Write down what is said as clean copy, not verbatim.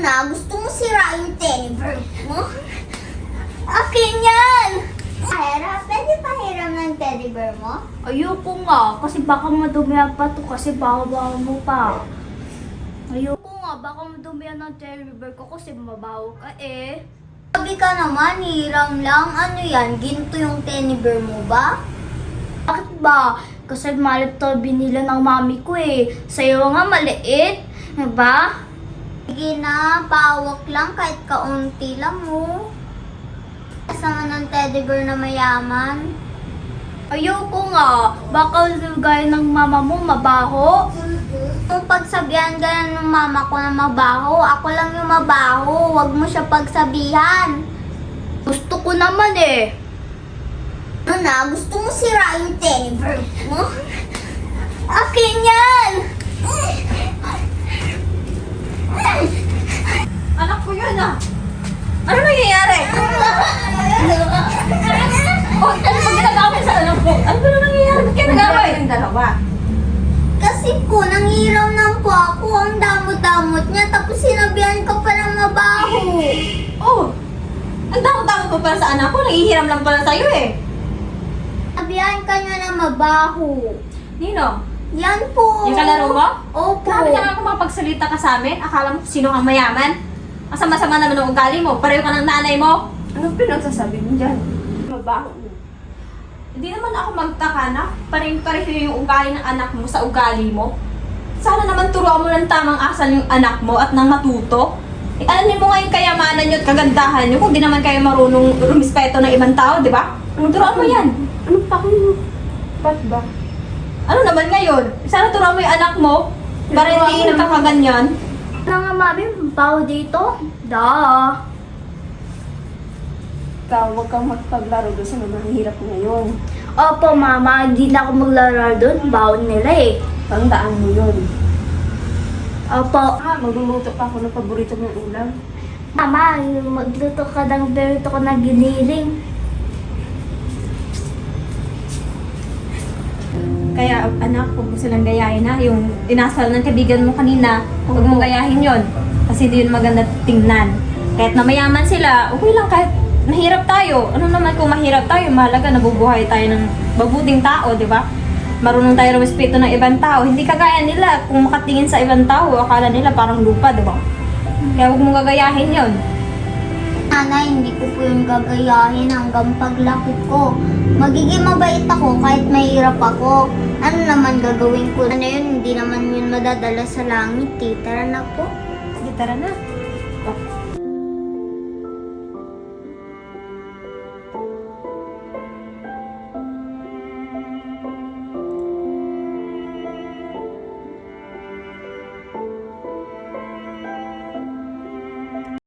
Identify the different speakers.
Speaker 1: na, gusto mo sira yung teddy bear mo? Akin yan! Pahira, pwede pahiram ng teddy bear mo?
Speaker 2: Ayoko nga, kasi baka madumihan pa to kasi baho-baho mo pa. Ayoko nga, baka madumihan ng teddy bear ko kasi mabaho ka eh.
Speaker 1: Sabi ka naman, hiram lang. Ano yan, ginto yung teddy bear mo ba?
Speaker 2: Bakit ba? Kasi malit to binila ng mami ko eh. Sa'yo nga maliit, diba?
Speaker 1: Sige na, pawak lang kahit kaunti lang mo. Kasama ng teddy bear na mayaman.
Speaker 2: Ayoko nga, baka gaya ng mama mo mabaho.
Speaker 1: Kung pagsabihan ganyan ng mama ko na mabaho, ako lang yung mabaho. Huwag mo siya pagsabihan.
Speaker 2: Gusto ko naman eh.
Speaker 1: Ano na, gusto mo sira yung teddy bear mo? Akin yan!
Speaker 3: Anak ko yun ah! Ano nangyayari? Oh, ano ba ginagawa mo sa anak ko? Ano ba nangyayari? Ba't kayo nag-away? Yung dalawa.
Speaker 1: Kasi po, nangiram lang po ako. Ang damot-damot niya. Tapos sinabihan ko pa ng mabaho.
Speaker 3: Oh! Ang damot-damot mo pala sa anak ko. Nangihiram lang pala sa'yo eh.
Speaker 1: Sabihan ka niya na mabaho.
Speaker 3: Nino?
Speaker 1: Yan po.
Speaker 3: Yung kalaro mo?
Speaker 1: Opo.
Speaker 3: Grabe ka nga kung makapagsalita ka sa amin. Akala mo sino ang mayaman? Ang sama-sama naman ng ugali mo. Pareho ka ng nanay mo. Anong pinagsasabi mo dyan? Mabaho mo. Hindi naman ako magtaka na pareho yung ugali ng anak mo sa ugali mo. Sana naman turuan mo ng tamang asal yung anak mo at nang matuto. Eh, alamin mo nga yung kayamanan nyo at kagandahan nyo kung di naman kayo marunong rumispeto ng ibang tao, di ba? Turuan mo yan.
Speaker 2: Ano pa kung...
Speaker 3: Ba't ba? Ano naman ngayon? Sana turuan mo yung anak mo para hindi nagkakaganyan.
Speaker 2: Ano nga mami, mabaho dito? Da.
Speaker 3: Ikaw, huwag kang magpaglaro doon sa mga hirap ngayon.
Speaker 2: Opo mama, hindi na ako maglaro doon. Baon nila eh.
Speaker 3: Tandaan mo yun.
Speaker 2: Opo.
Speaker 3: Magluluto pa ako ng paborito mong ulam.
Speaker 2: Mama, magluto ka ng berito ko na giniling.
Speaker 3: Kaya anak, huwag mo silang gayahin ha. Yung inasal ng kaibigan mo kanina, huwag mong gayahin yon. Kasi hindi yun maganda tingnan. Kahit na mayaman sila, okay lang kahit mahirap tayo. Ano naman kung mahirap tayo, mahalaga nabubuhay tayo ng mabuting tao, di ba? Marunong tayo respeto ng ibang tao. Hindi kagaya nila, kung makatingin sa ibang tao, akala nila parang lupa, di ba? Kaya huwag mong gagayahin yon.
Speaker 1: Nanay, hindi ko po yun gagayahin hanggang paglaki ko. Magiging mabait ako kahit mahirap ako. Ano naman gagawin ko? Ano yun, hindi naman yun madadala sa langit eh. Tara na po.
Speaker 3: Sige, tara na.